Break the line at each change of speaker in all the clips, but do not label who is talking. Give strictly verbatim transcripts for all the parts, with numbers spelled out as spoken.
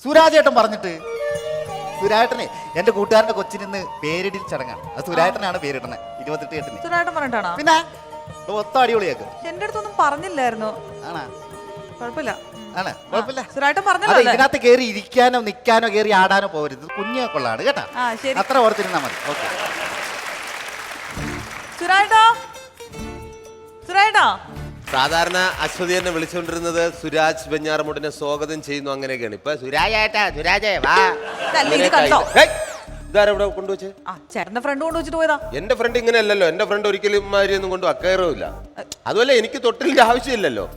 സുരാജേട്ടൻ പറഞ്ഞിട്ട് സുരാജേട്ടനെ എന്റെ കൂട്ടുകാരന്റെ കൊച്ചിന് പേരിടിൽ ചടങ്ങാണ്. അത് സുരാജേട്ടനാണ് പേരിടുന്നത് ഇരുപത്തെട്ട് എട്ടിന്.
സുരാജേട്ടൻ പറഞ്ഞിട്ടാണോ?
പിന്നെ മൊത്തം അടിപൊളിയാക്കും.
എന്റെ അടുത്തൊന്നും പറഞ്ഞില്ലായിരുന്നു.
ആണാ?
കുഴപ്പമില്ല.
ആണ് കുഴപ്പമില്ല.
സുരാജേട്ടൻ പറഞ്ഞല്ലോ
ഇതിനകത്ത് കയറി ഇരിക്കാനോ നിൽക്കാനോ കയറി ആടാനോ പോകരുത്. കുഞ്ഞെ കൊള്ളാണ് കേട്ടാ. അത്ര ഓർത്തിരുന്നാ മതി. ഓക്കെ.
സുരാജേട്ടാ, സുരാജേട്ടാ.
സാധാരണ അശ്വതി എന്നെ വിളിച്ചുകൊണ്ടിരുന്നത് സുരാജ് വെഞ്ഞാറമൂടിനെ സ്വാഗതം ചെയ്യുന്നു അങ്ങനെയൊക്കെയാണ്. ഇപ്പൊ സുരാജേട്ടാ സുരാജേ വാ. ഇതാരവിടെ കൊണ്ടുവച്ച്?
ചേട്ടന്റെ ഫ്രണ്ട് കൊണ്ടുവച്ചിട്ട് പോയതാ.
എന്റെ ഫ്രണ്ട് ഇങ്ങനെ അല്ലല്ലോ. എന്റെ ഫ്രണ്ട് ഒരിക്കലും ഒന്നും കൊണ്ട് അക്കയറില്ല. അതുപോലെ എനിക്ക് തൊട്ടിലിന്റെ ആവശ്യമില്ലല്ലോ.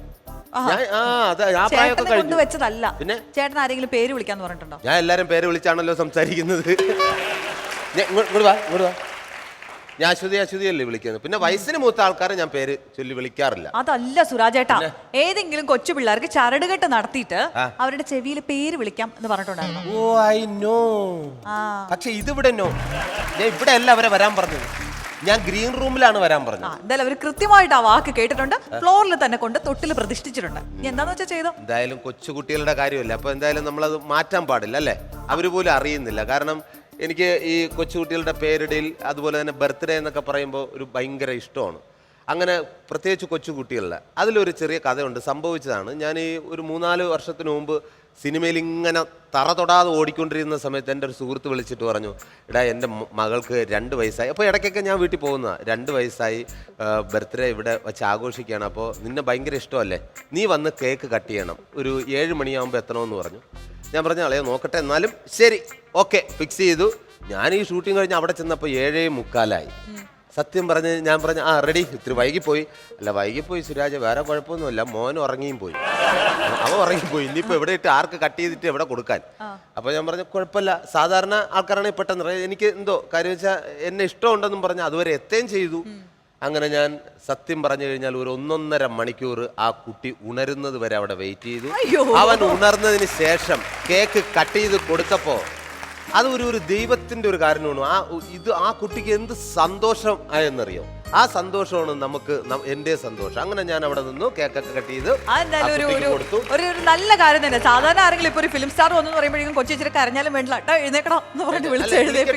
വെച്ചതല്ല. പിന്നെ ചേട്ടൻ ആരെങ്കിലും പേര് വിളിക്കാന്ന് പറഞ്ഞിട്ടുണ്ടോ?
ഞാൻ എല്ലാരും പേര് വിളിച്ചാണല്ലോ സംസാരിക്കുന്നത്. ഇങ്ങോട്ട് വാ ഇങ്ങോട്ട് വാ. ഞാൻ അശ്വതി അശ്വതി അല്ലേ വിളിക്കുന്നത്. പിന്നെ വയസ്സിന് മൂത്ത ആൾക്കാരെ ഞാൻ പേര് ചൊല്ലി വിളിക്കാറില്ല.
അതല്ല സുരാജേട്ടാ, ഏതെങ്കിലും കൊച്ചു പിള്ളേർക്ക് ചരടുകെട്ട് നടത്തിയിട്ട് അവരുടെ ചെവിയിൽ പേര് വിളിക്കാം എന്ന് പറഞ്ഞിട്ടുണ്ടായിരുന്നു.
Oh I know. പക്ഷെ ഇതിവിടെ നോ. ഞാൻ ഇവിടെ അല്ല അവരെ വരാൻ പറഞ്ഞത്. ഞാൻ ഗ്രീൻ റൂമിലാണ് വരാൻ പറഞ്ഞത്.
എന്തായാലും അവർ കൃത്യമായിട്ട് ആ വാക്ക് കേട്ടിട്ടുണ്ട്. ഫ്ലോറിൽ തന്നെ കൊണ്ട് തൊട്ടിൽ പ്രതിഷ്ഠിച്ചിട്ടുണ്ട്. എന്താന്ന് വെച്ചാൽ ചെയ്തോ.
എന്തായാലും കൊച്ചുകുട്ടികളുടെ കാര്യമല്ല. അപ്പൊ എന്തായാലും നമ്മളത് മാറ്റാൻ പാടില്ല അല്ലേ? അവര് പോലും അറിയുന്നില്ല. കാരണം എനിക്ക് ഈ കൊച്ചുകുട്ടികളുടെ പേരിടയിൽ അതുപോലെ തന്നെ ബർത്ത്ഡേ എന്നൊക്കെ പറയുമ്പോൾ ഒരു ഭയങ്കര ഇഷ്ടമാണ്. അങ്ങനെ പ്രത്യേകിച്ച് കൊച്ചുകുട്ടികളുടെ അതിലൊരു ചെറിയ കഥയുണ്ട്. സംഭവിച്ചതാണ്. ഞാൻ ഈ ഒരു മൂന്നാല് വർഷത്തിന് മുമ്പ് സിനിമയിൽ ഇങ്ങനെ തറ തൊടാതെ ഓടിക്കൊണ്ടിരുന്ന സമയത്ത് എൻ്റെ ഒരു സുഹൃത്ത് വിളിച്ചിട്ട് പറഞ്ഞു, എടാ എൻ്റെ മകൾക്ക് രണ്ട് വയസ്സായി. അപ്പോൾ ഇടയ്ക്കൊക്കെ ഞാൻ വീട്ടിൽ പോകുന്നതാണ്. രണ്ട് വയസ്സായി, ബർത്ത്ഡേ ഇവിടെ വെച്ച് ആഘോഷിക്കുകയാണ്. അപ്പോൾ നിന്നെ ഭയങ്കര ഇഷ്ടമല്ലേ, നീ വന്ന് കേക്ക് കട്ട് ചെയ്യണം, ഒരു ഏഴ് മണിയാകുമ്പോൾ എത്തണമെന്ന് പറഞ്ഞു. ഞാൻ പറഞ്ഞു അളയോ നോക്കട്ടെ, എന്നാലും ശരി ഓക്കെ ഫിക്സ് ചെയ്തു. ഞാൻ ഈ ഷൂട്ടിങ് കഴിഞ്ഞ് അവിടെ ചെന്നപ്പോൾ ഏഴേ മുക്കാലായി. സത്യം പറഞ്ഞ് ഞാൻ പറഞ്ഞു ആ റെഡി. ഇത്തിരി വൈകിപ്പോയി. അല്ല വൈകിപ്പോയി സുരാജ്, വേറെ കുഴപ്പമൊന്നുമില്ല, മോൻ ഉറങ്ങിയും പോയി. അവൻ ഉറങ്ങിപ്പോയി. ഇനിയിപ്പോൾ എവിടെ ഇട്ട് ആർക്ക് കട്ട് ചെയ്തിട്ട് എവിടെ കൊടുക്കാൻ. അപ്പോൾ ഞാൻ പറഞ്ഞു കുഴപ്പമില്ല, സാധാരണ ആൾക്കാരാണെങ്കിൽ പെട്ടെന്ന് എനിക്ക് എന്തോ കാര്യം വെച്ചാൽ എന്നെ ഇഷ്ടമുണ്ടെന്നും പറഞ്ഞ് അതുവരെ എത്തുകയും ചെയ്തു. അങ്ങനെ ഞാൻ സത്യം പറഞ്ഞു കഴിഞ്ഞാൽ ഒരു ഒന്നൊന്നര മണിക്കൂർ ആ കുട്ടി ഉണരുന്നത് വരെ അവിടെ വെയിറ്റ് ചെയ്തു. അവൻ ഉണർന്നതിന് ശേഷം കേക്ക് കട്ട് ചെയ്ത് കൊടുത്തപ്പോൾ അത് ഒരു ഒരു ദൈവത്തിന്റെ ഒരു കാരണമാണ്. ആ ഇത് ആ കുട്ടിക്ക് എന്ത് സന്തോഷം ആയെന്നറിയോ? ആ സന്തോഷമാണ് നമുക്ക് എന്റെ സന്തോഷം. അങ്ങനെ ഞാൻ അവിടെ നിന്നു കേക്കൊക്കെ കട്ട് ചെയ്ത് കൊടുത്തു.
ഒരു നല്ല കാര്യം തന്നെ. സാധാരണ ആരെങ്കിലും ഇപ്പൊ ഒരു ഫിലിം സ്റ്റാർ വന്നു പറയുമ്പോഴേക്കും കൊച്ചു ഇച്ചിരി കരഞ്ഞാലും വേണ്ടില്ല കേട്ടോ എഴുന്നേക്കണം എന്ന് പറഞ്ഞിട്ട് വിളിച്ച്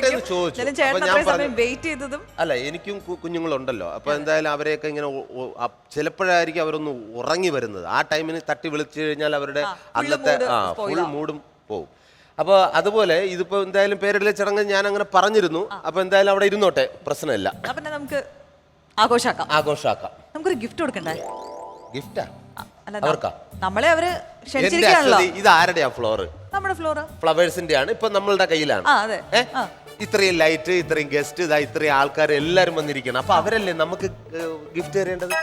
എഴുന്നേൽപ്പിക്കും.
അല്ല എനിക്കും കുഞ്ഞുങ്ങളുണ്ടല്ലോ. അപ്പൊ എന്തായാലും അവരെയൊക്കെ ഇങ്ങനെ ചിലപ്പോഴായിരിക്കും അവരൊന്ന് ഉറങ്ങി വരുന്നത്. ആ ടൈമിന് തട്ടി വിളിച്ചു കഴിഞ്ഞാൽ അവരുടെ അന്നത്തെ ആ ഫുൾ മൂഡും പോവും. അപ്പോൾ അതുപോലെ ഇതിപ്പോ എന്തായാലും പേരിടൽ ചടങ്ങ് ഞാൻ അങ്ങനെ പറഞ്ഞിരുന്നു. അപ്പൊ എന്തായാലും അവിടെ ഇരുന്നോട്ടെ, പ്രശ്നമില്ല.
നമുക്ക് ആഘോഷാക്കാം
ആഘോഷാക്കാം
നമുക്കൊരു ഗിഫ്റ്റ് കൊടുക്കണ്ടേ?
ഗിഫ്റ്റാ അവർക്കാ?
നമ്മളെ അവര് ക്ഷണിച്ചിരിക്കുകയാണല്ലോ.
ഇത് ആരുടെയാ ഫ്ലോറ്?
നമ്മുടെ ഫ്ലോർ
ഫ്ലവേഴ്സിന്റെ ആണ്. ഇപ്പൊ നമ്മളുടെ കയ്യിലാണ്. ഇത്രയും ലൈറ്റ്, ഇത്രയും ഗസ്റ്റ്, ഇതാ ഇത്രയും ആൾക്കാർ എല്ലാരും വന്നിരിക്കണം. അപ്പൊ അവരല്ലേ നമുക്ക് ഗിഫ്റ്റ് തരേണ്ടത്.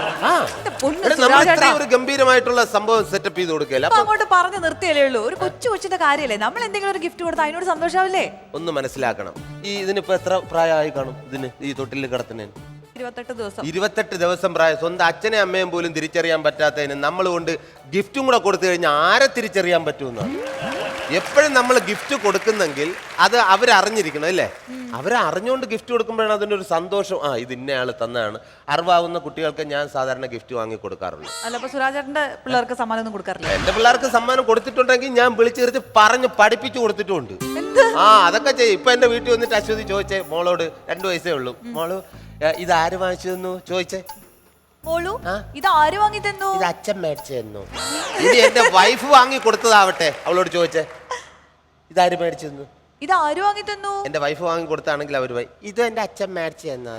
ഒരു ഗംഭീരമായിട്ടുള്ള സംഭവം സെറ്റപ്പ് ചെയ്ത് കൊടുക്കല്ലേ.
അപ്പൊ അങ്ങോട്ട് പറഞ്ഞു നിർത്തിയല്ലേ ഉള്ളൂ. ഒരു കൊച്ചു കൊച്ചിന്റെ കാര്യമല്ലേ, നമ്മൾ എന്തെങ്കിലും ഒരു ഗിഫ്റ്റ് കൊടുത്താൽ അതിനോട് സന്തോഷാവില്ലേ?
ഒന്ന് മനസ്സിലാക്കണം. ഈ ഇതിനിപ്പോ എത്ര പ്രായമായി കാണും ഇതിന്, ഈ തൊട്ടിൽ കിടത്തുന്നതിന്?
ഇരുപത്തെട്ട് ദിവസം.
ഇരുപത്തെട്ട് ദിവസം പ്രായം. സ്വന്തം അച്ഛനെ അമ്മയും പോലും തിരിച്ചറിയാൻ പറ്റാത്തതിന് നമ്മൾ കൊണ്ട് ഗിഫ്റ്റും കൂടെ കൊടുത്തു കഴിഞ്ഞാൽ ആരെ തിരിച്ചറിയാൻ പറ്റുമെന്നാണ്. എപ്പോഴും നമ്മൾ ഗിഫ്റ്റ് കൊടുക്കുന്നെങ്കിൽ അത് അവരറിഞ്ഞിരിക്കണം അല്ലേ? അവരെ അറിഞ്ഞുകൊണ്ട് ഗിഫ്റ്റ് കൊടുക്കുമ്പോഴാണ് അതിൻ്റെ ഒരു സന്തോഷം. ആ ഇത് ഇന്നയാൾ തന്നതാണ്. അറിവാകുന്ന കുട്ടികൾക്ക് ഞാൻ സാധാരണ ഗിഫ്റ്റ് വാങ്ങി കൊടുക്കാറുള്ളൂ.
സുരാജേട്ടന്റെ പിള്ളേർക്ക് സമ്മാനം ഒന്നും കൊടുക്കാറില്ല?
എന്റെ പിള്ളേർക്ക് സമ്മാനം കൊടുത്തിട്ടുണ്ടെങ്കിൽ ഞാൻ വിളിച്ചു തീർത്ത് പറഞ്ഞ് പഠിപ്പിച്ചു കൊടുത്തിട്ടുണ്ട്. ആ അതൊക്കെ ചെയ്യും. ഇപ്പൊ എന്റെ വീട്ടിൽ വന്നിട്ട് അശ്വതി ചോദിച്ചേ മോളോട്, രണ്ടു വയസ്സേ ഉള്ളൂ, മോള് ഇത് ആര് വാങ്ങിച്ചു തന്നു ചോദിച്ചേ.
ഇത് ആര് വാങ്ങി തന്നു?
ഇത് അച്ഛൻ മേടിച്ചു തന്നു. ഇത് എന്റെ വൈഫ് വാങ്ങി കൊടുത്തതാവട്ടെ, അവളോട് ചോദിച്ചേ ഇതാര് മേടിച്ചു തന്നു?
ഇത് ആര് വാങ്ങി തന്നു?
എന്റെ വൈഫ് വാങ്ങി കൊടുത്താണെങ്കിൽ അവര് ഇത് എന്റെ അച്ഛൻ മേടിച്ചു തന്നു.